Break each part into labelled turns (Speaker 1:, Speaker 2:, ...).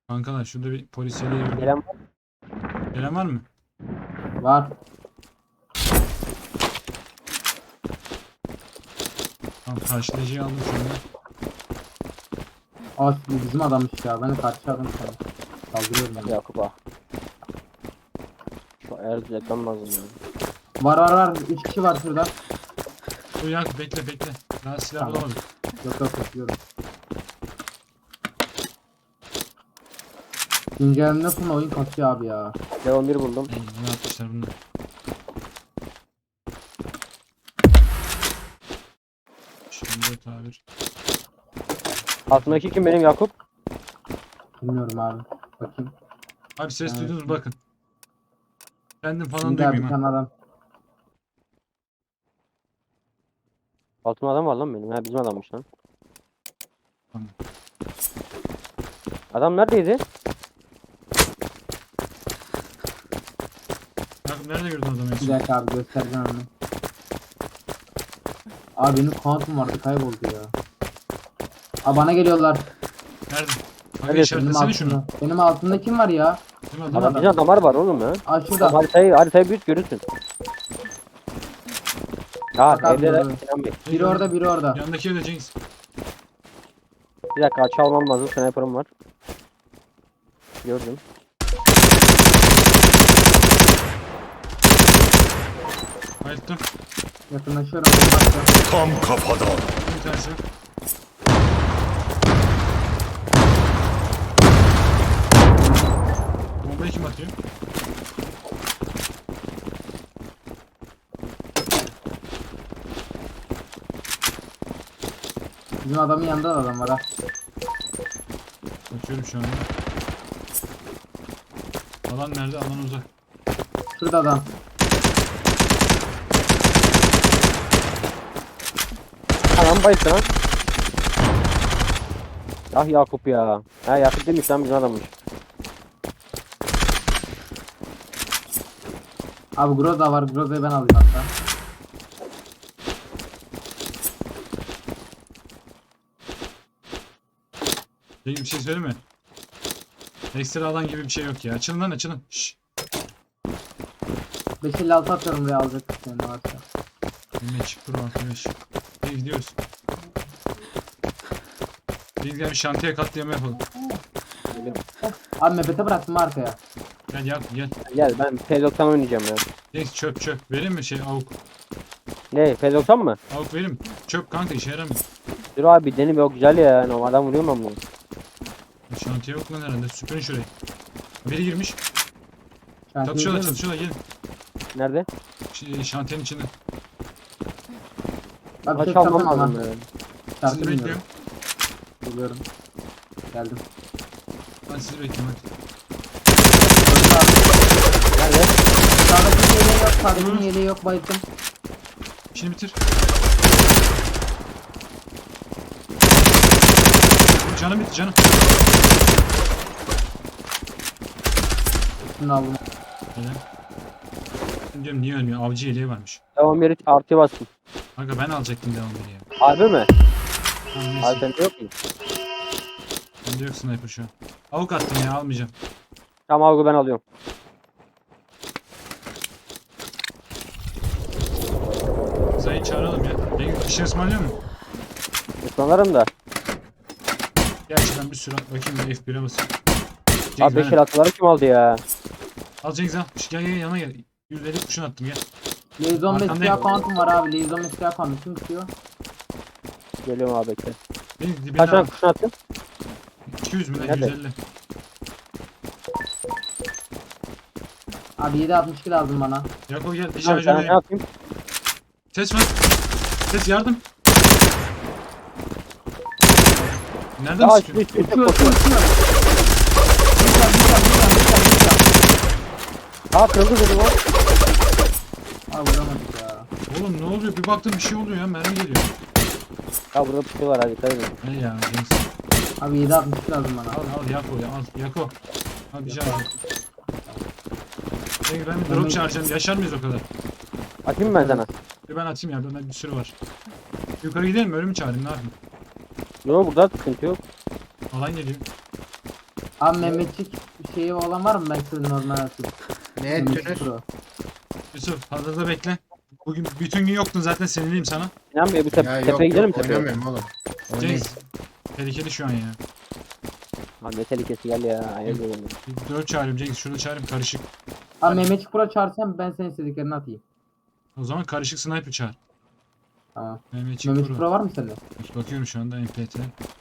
Speaker 1: Kankalar şurada bir polisiyeliğe gördüm.
Speaker 2: Gelen var.
Speaker 1: Gelen var mı?
Speaker 3: Var.
Speaker 1: Tamam, karşılayıcıyı aldım şu anda.
Speaker 3: Aa bu bizim adammış ya. Ben de karşı adam sanırım. Kaldırıyorum ben.
Speaker 2: Yakup ah. Şu ayar düzeltmem lazım ya.
Speaker 3: Var. 3 kişi var şurada.
Speaker 1: Dur Yakup bekle. Daha silah
Speaker 3: Tamam.
Speaker 1: bulamadım.
Speaker 3: Yok bekliyorum. Güncellemede sonra oyun kasıyor abi ya.
Speaker 2: Level 1 buldum.
Speaker 1: Ne yapmışlar bunlar? Şimdi tabir.
Speaker 2: Altındaki kim benim Yakup?
Speaker 3: Bilmiyorum abi. Bakayım.
Speaker 1: Abi ses
Speaker 3: Evet.
Speaker 1: duydunuz bakın. Kendim falan
Speaker 3: Şimdi abi bir
Speaker 1: duymayayım ha.
Speaker 3: tane adam.
Speaker 2: Altımda adam var lan benim. Ha bizim adammış lan.
Speaker 1: Tamam.
Speaker 2: Adam neredeydi?
Speaker 1: Yakup nerede gördün adamı en
Speaker 3: Bir
Speaker 1: son?
Speaker 3: dakika abi göstereceğim onu. Abi benim kuantum vardı kayboldu ya. Aa bana geliyorlar.
Speaker 1: Nerede? Abi
Speaker 2: Nerede?
Speaker 3: Benim
Speaker 1: işaretlesene şunu.
Speaker 3: altımda. Benim altımda kim var ya?
Speaker 1: Değil mi
Speaker 3: Adam-
Speaker 1: adam?
Speaker 2: Bizim adamlar var oğlum ya.
Speaker 3: Aa
Speaker 2: Tamam,
Speaker 3: şurada.
Speaker 2: haritayı büyüt görürsün. Ya
Speaker 3: Bak abi,
Speaker 2: evde de
Speaker 3: doğru.
Speaker 2: Sinan Bey.
Speaker 3: Biri orada biri orada.
Speaker 1: Yandaki evde Cengiz.
Speaker 2: Bir dakika açı almam lazım. Sniper'ım var. Gördüm.
Speaker 1: Bayılttım.
Speaker 3: Yakınlaşıyorum. Bakıyorum.
Speaker 4: Tam kafadan.
Speaker 1: Bir tanesi. Bombayı kim atıyor?
Speaker 3: Bizim adamın yanında da adam var ha.
Speaker 1: Bakıyorum şu anda. Alan nerede? Alan uzak.
Speaker 3: Şurada adam.
Speaker 2: Anam bayıldı lan. Ah Yakup ya. Ha Yakup demiş lan bizim adammış.
Speaker 3: Abi Groza var. Groza'yı ben alayım hatta.
Speaker 1: Cengiz bir şey söyleyeyim mi? Ekstra alan gibi bir şey yok ya. Açılın lan açılın. Şşş.
Speaker 3: 556 atıyorum buraya alacak senin varsa.
Speaker 1: Yine çık dur arkadaş. İyi gidiyoruz. Biz gel bir şantiye katliamı yapalım.
Speaker 3: Abi mepete bıraktım arkaya.
Speaker 1: Gel Yakup gel.
Speaker 2: Gel ben P90 oynayacağım ya.
Speaker 1: Cengiz çöp. Vereyim mi şey avuk?
Speaker 2: Ne P90 mı?
Speaker 1: Avuk vereyim mi? Çöp kanka işe yaramıyor.
Speaker 2: Dur abi denim yok güzel ya. No, adam vuruyor mu bunu?
Speaker 1: Şantiye yok lan herhalde. Süpürün şurayı. Biri girmiş.
Speaker 3: Şantiye
Speaker 1: Çatışıyorlar
Speaker 3: gidiyor mu?
Speaker 1: gelin.
Speaker 2: Nerede?
Speaker 1: Şantiyenin içinde.
Speaker 3: Abi
Speaker 2: Aç
Speaker 3: tek
Speaker 2: almam
Speaker 3: kapatma.
Speaker 2: lazım ya.
Speaker 3: Şarkı
Speaker 1: Sizi
Speaker 3: dinliyorum.
Speaker 1: bekliyorum.
Speaker 3: Geliyorum. Geldim.
Speaker 1: Ben sizi bekliyorum hadi.
Speaker 3: Öldü abi.
Speaker 2: Nerede?
Speaker 3: Sağdakinin yeleği yok. Sağdakinin yeleği yok. Bayıldım.
Speaker 1: İşini bitir. Canım bitti canım.
Speaker 3: Şunu aldım.
Speaker 1: Helal. Şimdi diyorum niye ölmüyor? Avcı yeleği varmış.
Speaker 2: Devam yeri artıya bastım.
Speaker 1: Kanka ben alacaktım devamını ya.
Speaker 2: Harbi mi?
Speaker 1: Tamam
Speaker 2: Abi
Speaker 1: neyse.
Speaker 2: sende yok mu?
Speaker 1: Bende yok sniper şu an. Avuk attım ya almayacağım.
Speaker 2: Tamam abi ben alıyorum.
Speaker 1: Zayı çağıralım ya. Cengiz bir şey ısmarlıyor mu?
Speaker 2: Islanırım da.
Speaker 1: Gerçekten bir sürü bakayım ben F1'e basayım.
Speaker 2: Abi
Speaker 1: Cengiz
Speaker 2: 5
Speaker 1: ben
Speaker 2: el atıları kim aldı ya?
Speaker 1: al Cengiz al. Gel yana gel. 150 kuşun attım gel.
Speaker 3: Liaison 5
Speaker 1: Arkandayım.
Speaker 3: siyah kuantum var abi. Liaison 5 siyah kuantum. Kim istiyor?
Speaker 2: Geliyorum abi bekle.
Speaker 1: Cengiz dibine
Speaker 2: Kaç tane
Speaker 1: al.
Speaker 2: kurşun attın?
Speaker 1: 200 mü lan
Speaker 2: Nerede?
Speaker 1: 150.
Speaker 3: Abi 762 lazım bana.
Speaker 1: Yakup gel.
Speaker 2: Tamam,
Speaker 1: Şarjör
Speaker 2: sana ne
Speaker 1: vereyim.
Speaker 2: yapayım?
Speaker 1: Ses var. Ses yardım. Nereden
Speaker 2: Ya
Speaker 1: sıkıyor?
Speaker 2: üst üste
Speaker 3: Uçuyor
Speaker 2: koşuyor.
Speaker 3: uçuyor.
Speaker 2: Aa kırıldı dedim o.
Speaker 3: Abi vuramadık ya.
Speaker 1: Oğlum ne oluyor? Bir baktım bir şey oluyor ya. Mermi geliyor.
Speaker 2: Ya burada tutuyorlar hadi dikkat edin.
Speaker 1: Ne ya Cengiz?
Speaker 3: Abi 762 lazım bana.
Speaker 1: Al Yako ya al Yako. Al bir can al. Cengiz ben bir drop çağıracağım. Yaşar mıyız o kadar?
Speaker 2: Atayım mı ben sana?
Speaker 1: Bir ben atayım ya. Bende bir sürü var. Yukarı gidelim mi? Ölümü çağırayım. Ne yapayım?
Speaker 2: Yok burada sıkıntı yok.
Speaker 1: Alan geliyor.
Speaker 3: Abi Mehmetçik şeyi olan var mı? Ben size normal atayım.
Speaker 4: Ne
Speaker 3: Mehmetçik
Speaker 4: ettiniz?
Speaker 3: Pro.
Speaker 1: Yusuf hazırda bekle. Bugün bütün gün yoktun zaten sinirliyim sana.
Speaker 2: Sinan Bey bu
Speaker 4: Ya yok
Speaker 2: tepeye gidelim mi
Speaker 4: yok
Speaker 2: tepeye?
Speaker 4: oynamıyorum oğlum. Oynayın.
Speaker 1: Cengiz. Tehlikeli şu an ya.
Speaker 2: Abi ne tehlikesi gel ya. Hayır oğlum.
Speaker 1: Bir 4 çağırıyorum Cengiz. Şurada çağırayım karışık.
Speaker 3: Abi Mehmetçik Pro çağırsam ben senin istediklerini atayım.
Speaker 1: O zaman karışık sniper çağır.
Speaker 3: Tamam.
Speaker 1: Mehmetçik
Speaker 3: Mehmetçik
Speaker 1: Pro.
Speaker 3: Pro var mı sende?
Speaker 1: Bakıyorum şu anda MPT.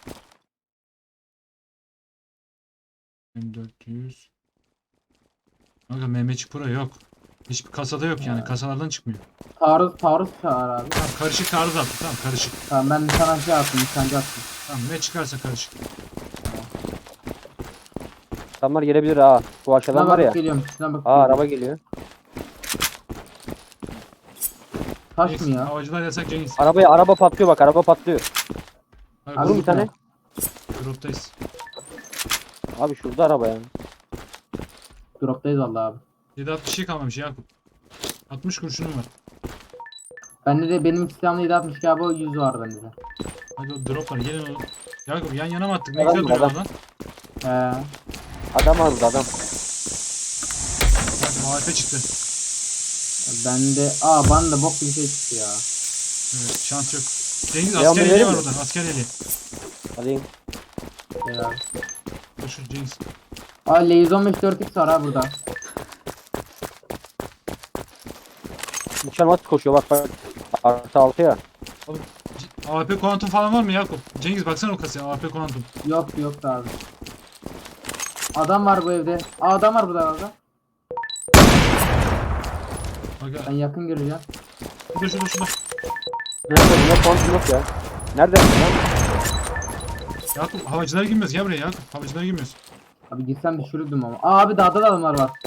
Speaker 1: M400. Kanka Mehmetçik Pro yok. Hiçbir kasada yok yani. Kasalardan çıkmıyor.
Speaker 3: Taarruz çağır abi.
Speaker 1: Tamam karışık taarruz attı. Tamam karışık.
Speaker 3: Tamam ben sana şey attım, nişancı attım.
Speaker 1: Tamam ne çıkarsa karışık.
Speaker 2: Adamlar gelebilir ha. Bu aşağıdan
Speaker 3: Şuna
Speaker 2: var ya.
Speaker 3: bakıp geliyorum. Şuna bakıp
Speaker 2: Aa
Speaker 3: geliyorum.
Speaker 2: araba geliyor.
Speaker 3: Taş
Speaker 1: Cengiz,
Speaker 3: mı ya?
Speaker 1: havacılar yasak Cengiz.
Speaker 2: Araba patlıyor bak araba patlıyor.
Speaker 1: Hadi
Speaker 3: Abi
Speaker 2: Vurun
Speaker 1: vurun
Speaker 2: bir tane.
Speaker 1: Drop'tayız.
Speaker 2: Abi şurada araba yani.
Speaker 3: Drop'tayız vallahi abi.
Speaker 1: 7.60 şey kalmamış Yakup. 60 kurşunum var.
Speaker 3: Bende de benim silahımda 762 abi, o 100 var bende de.
Speaker 1: Hadi o drop var gelin oğlum. Yakup yan yana mı attık? Ne
Speaker 2: Adam
Speaker 1: güzel
Speaker 2: var,
Speaker 1: duruyor
Speaker 2: adam.
Speaker 1: lan.
Speaker 3: He.
Speaker 2: Adam var burada adam.
Speaker 1: Yakup AWP çıktı.
Speaker 3: Bende bana da bok gibi şey çıktı ya.
Speaker 1: Evet şans yok. Cengiz
Speaker 2: Ya,
Speaker 1: asker
Speaker 2: onu
Speaker 1: yeleği
Speaker 2: verir
Speaker 1: var
Speaker 2: mi?
Speaker 1: orada. Asker yeleği.
Speaker 2: Alayım.
Speaker 3: Şey abi.
Speaker 1: Koşun Cengiz.
Speaker 3: Lazy 15 4x var ha burada.
Speaker 2: Nişan at koşuyor bak bak. Artı 6 ya.
Speaker 1: AWP kuantum falan var mı Yakup? Cengiz baksana o kasaya AWP kuantum.
Speaker 3: Yok da abi. Adam var bu evde. Adam var burada abi.
Speaker 1: Bak
Speaker 3: Ben yakın göreceğim.
Speaker 1: şurada.
Speaker 2: Nerede bunlar kontum yok ya. Nerede lan?
Speaker 1: Yakup havacılara girmiyoruz. Gel buraya Yakup. Havacılara girmiyoruz.
Speaker 3: Abi gitsem düşürürdüm ama. Abi dağda da adamlar var.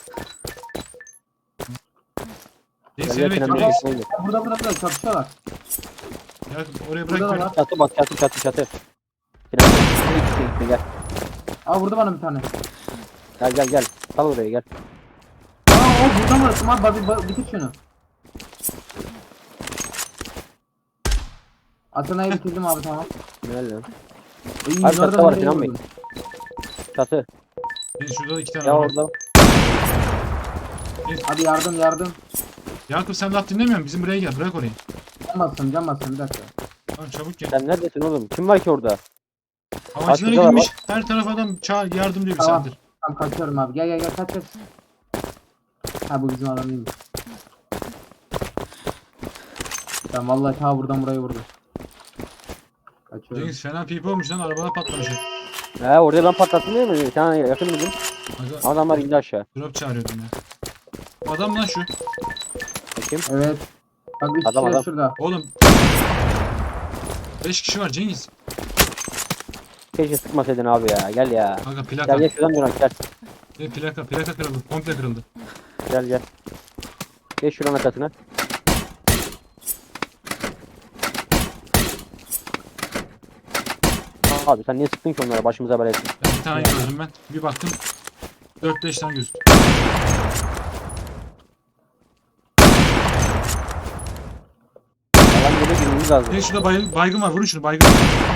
Speaker 1: Cengiz
Speaker 2: Gel
Speaker 1: seni
Speaker 2: gel
Speaker 1: bekliyorum
Speaker 2: Kenan Bey.
Speaker 1: Cengiz.
Speaker 3: Burada çatışıyorlar.
Speaker 1: Yakup oraya
Speaker 3: Burada da
Speaker 1: bırak.
Speaker 3: var.
Speaker 2: Çatı bak çatı. Kenan Bey, gitti, gel.
Speaker 3: Vurdu bana bir tane.
Speaker 2: Gel. Sal oraya gel.
Speaker 3: O burada mı? Tamam abi bitir şunu. Atana'yı bitirdim abi, tamam.
Speaker 2: Gel lan.
Speaker 3: İyi,
Speaker 2: Abi çatıda
Speaker 3: nereden
Speaker 2: var
Speaker 3: nereye
Speaker 2: Kenan Bey.
Speaker 3: vurdun?
Speaker 2: Çatı.
Speaker 1: Cengiz şurada da 2 tane
Speaker 2: Ya
Speaker 1: var.
Speaker 2: orada.
Speaker 3: Abi yardım.
Speaker 1: Yakup sen laf dinlemiyor musun? Bizim buraya gel. Bırak orayı.
Speaker 3: Can basın bir dakika.
Speaker 1: Tamam çabuk gel.
Speaker 2: Sen neredesin oğlum? Kim var ki orada?
Speaker 1: Havacılara
Speaker 2: şurada
Speaker 1: girmiş. Her taraf adam çağır yardım diyor bir
Speaker 3: Tamam.
Speaker 1: saattir.
Speaker 3: Tamam kaçıyorum abi. Gel kaç. Ha bu bizim adam değilmiş. Ben vallahi ta buradan buraya vurdum. Kaçıyorum.
Speaker 1: Cengiz fena pipi olmuş lan. Arabana patlamış.
Speaker 2: He orada ben patlattım değil mi? Sen yakın mıydın?
Speaker 1: Aga,
Speaker 2: Adamlar indi aşağı.
Speaker 1: drop çağırıyordum ya. Adam lan şu.
Speaker 2: Bakayım.
Speaker 3: Evet. Bak 3
Speaker 2: Adam,
Speaker 3: kişi de
Speaker 2: adam.
Speaker 3: şurada.
Speaker 1: Oğlum. 5 kişi var Cengiz.
Speaker 2: Keşke sıkmasaydın abi ya. Gel ya.
Speaker 1: Aga plaka.
Speaker 2: Gel şuradan dön gel.
Speaker 1: Plaka kırıldı. Komple kırıldı.
Speaker 2: Gel. Geç şuranın arkasına. Abi sen niye sıktın ki onlara başımıza bela ettin?
Speaker 1: Bir tane gördüm ben. Bir baktım. 4-5 tane gözüktü.
Speaker 2: Alan geliyor girmemiz lazım.
Speaker 1: Cengiz şurada baygın var. Vurun şunu baygın.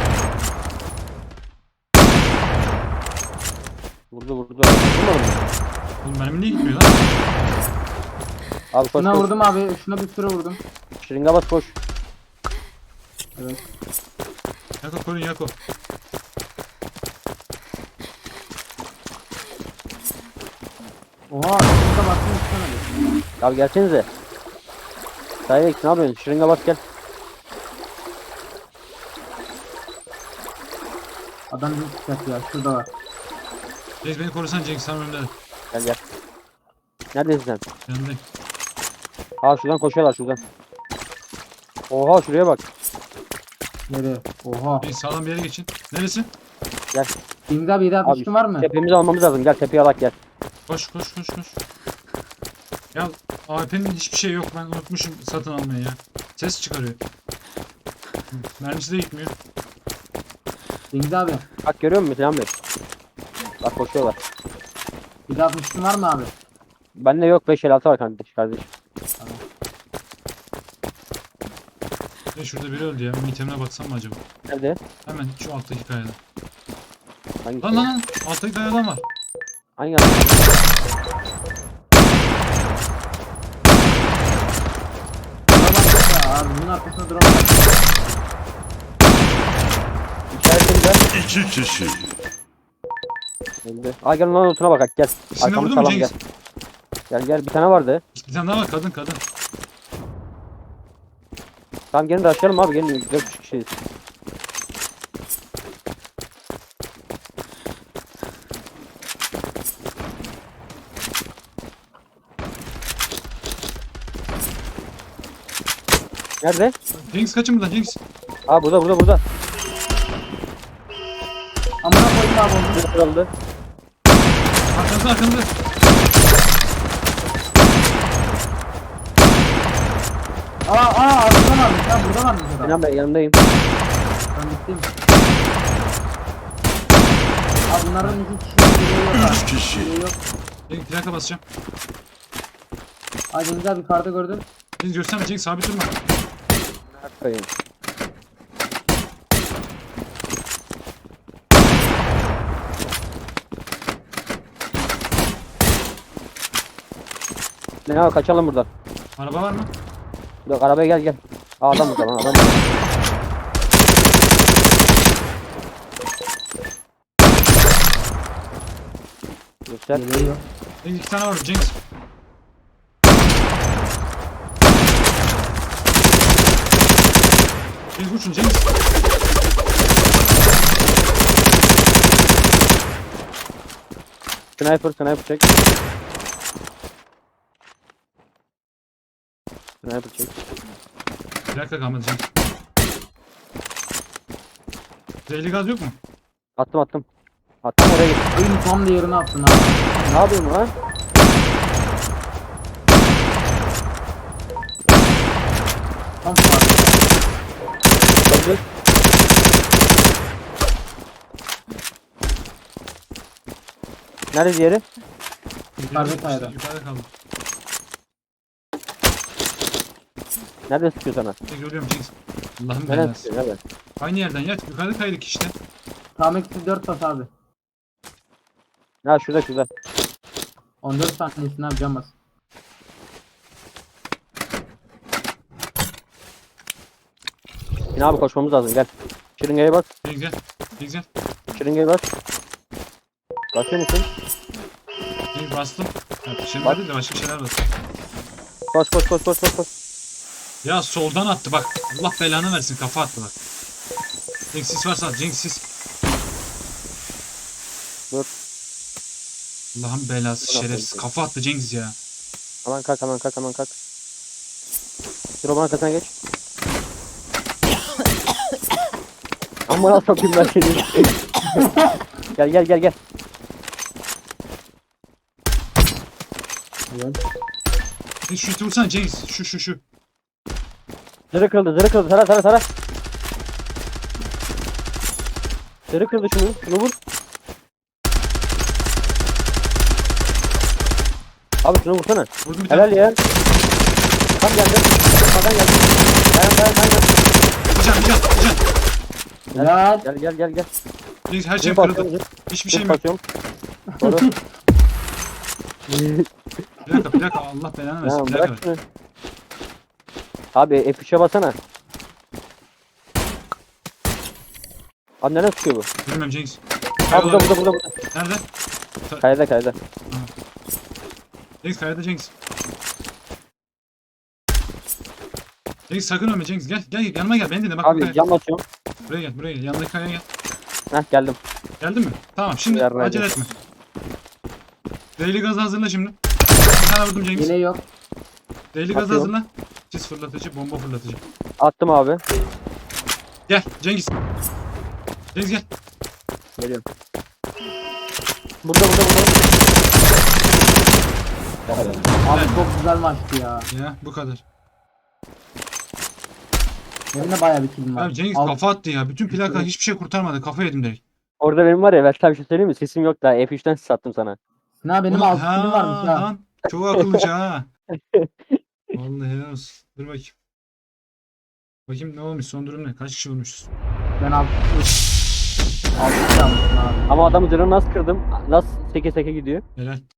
Speaker 2: Vurdu. Vurmadın mı?
Speaker 1: Oğlum benim niye gitmiyor lan?
Speaker 2: Abi koş
Speaker 3: Şuna
Speaker 2: koş.
Speaker 3: vurdum abi. Şuna bir sürü vurdum.
Speaker 2: Şırınga bas koş.
Speaker 3: Evet.
Speaker 1: Yako korun Yako.
Speaker 3: Oha. Şurada baktım istemedi.
Speaker 2: Abi gelsenize. Direkt ne yapıyorsun? Şırınga bas gel.
Speaker 3: Adam bir çıkart ya. Şurada var.
Speaker 1: Cengiz beni korusan Cengiz sen önümde.
Speaker 2: Gel. Neredesin sen?
Speaker 1: Yanındayım.
Speaker 2: Aa şuradan koşuyorlar şuradan. Oha şuraya bak.
Speaker 3: Nereye? Oha.
Speaker 1: Cengiz sağlam bir yere geçin. Neresi?
Speaker 3: Deniz abi 762 var mı?
Speaker 2: Tepemizi almamız lazım. Gel tepeye alak gel.
Speaker 1: Koş. Ya AWP'nin hiçbir şey yok. Ben unutmuşum satın almayı ya. Ses çıkarıyor. Mermisi de gitmiyor.
Speaker 3: Deniz abi.
Speaker 2: Bak görüyor musun Selam Bey? Bak koşuyorlar.
Speaker 3: 762 var mı abi?
Speaker 2: Bende yok 556 var kardeş.
Speaker 1: Ya şurada biri öldü ya. Bir itemine baksam mı acaba?
Speaker 2: Nerede?
Speaker 1: Hemen şu alttaki kayada.
Speaker 2: Hangisi?
Speaker 1: Lan. Alttaki dayadan var.
Speaker 2: Hangi adam?
Speaker 3: Buna bak ya abi bunun arkasında drone var.
Speaker 2: İşaretini gel.
Speaker 4: 2 kişi.
Speaker 2: Öldü. Aa gel lan otuna bak gel.
Speaker 1: İkisini
Speaker 2: Arkamı
Speaker 1: vurdun mu
Speaker 2: salam gel.
Speaker 1: Cengiz?
Speaker 2: Gel bir tane vardı.
Speaker 1: Bir tane daha var kadın.
Speaker 2: Tamam gelin de açalım abi gelin 4 kişiyiz. Nerede?
Speaker 1: Cengiz kaçın buradan Cengiz.
Speaker 2: Aa burada.
Speaker 3: Amına koyayım abi onu.
Speaker 2: Bir kırıldı.
Speaker 1: Arkanızda.
Speaker 3: Arkada varmış ya burada varmış adam.
Speaker 2: Sinan Bey yanındayım.
Speaker 3: Ben gittim. Abi bunların iki kişi biri yok abi.
Speaker 4: 3 kişi.
Speaker 3: Biri yok.
Speaker 1: Cengiz plaka basacağım.
Speaker 3: Ay Cengiz abi yukarıda gördün.
Speaker 1: Cengiz gösterme Cengiz sabit durma.
Speaker 2: Bakayım. Ne abi kaçalım buradan.
Speaker 1: Araba var mı?
Speaker 2: Yok arabaya gel. Aa, adam burada lan adam. Burada. Göster.
Speaker 3: Biri yok.
Speaker 1: Cengiz 2 tane var Cengiz. Cengiz uçun Cengiz.
Speaker 2: Sniper çek. Sniper çek.
Speaker 1: Plaka kalmadı Cengiz. Zehirli gaz yok mu?
Speaker 2: Attım. Attım oraya git.
Speaker 3: Oyun tam da yerine attın abi.
Speaker 2: Ne yapıyorsun lan?
Speaker 3: Tam sağ.
Speaker 2: Öldü. Nerede diğeri?
Speaker 3: Yukarıda kayada.
Speaker 1: Yukarıda kaldı.
Speaker 2: Nerede sıkıyor sana?
Speaker 1: Cengiz ölüyorum Cengiz. Allah'ım
Speaker 2: Nereden
Speaker 1: belası.
Speaker 2: sıkıyor? Nerede?
Speaker 1: Aynı yerden yat. Yukarıda kaydık işte.
Speaker 3: Tam eksi 4 bas abi.
Speaker 2: Ha şurada.
Speaker 3: 14 saniyesini abi can bas.
Speaker 2: Yine abi koşmamız lazım gel. Şırıngaya bas.
Speaker 1: Cengiz gel. Cengiz gel.
Speaker 2: Şırıngaya bas. Basıyor musun?
Speaker 1: Cengiz bastım. Evet, şimdi
Speaker 2: Bak.
Speaker 1: değil de başka şeyler var.
Speaker 2: Koş.
Speaker 1: Ya soldan attı bak. Allah belanı versin kafa attı bak. Cengiz sis varsa at. Cengiz sis.
Speaker 2: Dur.
Speaker 1: Allah'ın belası
Speaker 2: Dur,
Speaker 1: şerefsiz.
Speaker 2: dur.
Speaker 1: Kafa attı Cengiz ya.
Speaker 2: Hemen kalk. Dur roman arkasına geç. Amma nasıl sokayım ben seni. Gel.
Speaker 3: Evet.
Speaker 1: Cengiz şu iti vursana Cengiz. Şu.
Speaker 2: Zırı kırıldı. Tara. Zırı kırıldı şunu vur. Abi şunu vursana.
Speaker 1: Vurdum bir tane.
Speaker 2: Helal ya. Tam geldi. Sağdan geldi. Dayan.
Speaker 1: Bir can.
Speaker 3: Helal.
Speaker 2: Gel.
Speaker 1: Cengiz her şey
Speaker 2: Zırh
Speaker 1: kırıldı.
Speaker 2: basıyorum.
Speaker 1: Hiçbir şeyim yok.
Speaker 2: Basıyorum. Doğru.
Speaker 1: Plaka Allah belanı versin.
Speaker 2: Ya
Speaker 1: Plaka ver.
Speaker 2: bırak şunu. Abi F3'e basana. Abi nereden tutuyor bu?
Speaker 1: Bilmem Cengiz.
Speaker 2: Ha burada.
Speaker 1: Nerede?
Speaker 2: Kayada.
Speaker 1: Cengiz kayada Cengiz. Cengiz sakın ölme Cengiz. Gel yanıma gel. Beni dinle bak.
Speaker 2: Abi
Speaker 1: buraya.
Speaker 2: cam basıyorum.
Speaker 1: Buraya gel. Yanındaki kayaya gel.
Speaker 2: Heh geldim.
Speaker 1: Geldin mi? Tamam şimdi
Speaker 2: Yardım
Speaker 1: acele
Speaker 2: edin.
Speaker 1: etme. Zehirli gazı hazırla şimdi. Bir tane vurdum Cengiz.
Speaker 3: Yine yok.
Speaker 1: Zehirli gazı
Speaker 2: Atıyorum.
Speaker 1: hazırla. Sis fırlatıcı, bomba fırlatıcı.
Speaker 2: Attım abi.
Speaker 1: Gel Cengiz. Cengiz gel.
Speaker 2: Geliyorum. Burada.
Speaker 3: Abi çok güzel maçtı ya.
Speaker 1: Ya bu kadar.
Speaker 3: Benim de bayağı bir killim var.
Speaker 1: Abi Cengiz
Speaker 3: Al-
Speaker 1: kafa attı ya. Bütün plaka hiçbir şey kurtarmadı. Kafa yedim direkt.
Speaker 2: Orada benim var ya ben sana bir şey söyleyeyim mi? Sesim yok daha. F3'ten ses attım sana.
Speaker 3: Ne benim
Speaker 1: Ulan,
Speaker 3: 6 killim varmış ya.
Speaker 1: lan, çok akıllıca ha. Vallahi helal olsun. Dur bakayım. Bakayım ne olmuş son durum ne? Kaç kişi vurmuşuz?
Speaker 3: Ben 6 Altı çalmışsın abi.
Speaker 2: Ama adamın canını nasıl kırdım? Nasıl seke seke gidiyor?
Speaker 1: Helal.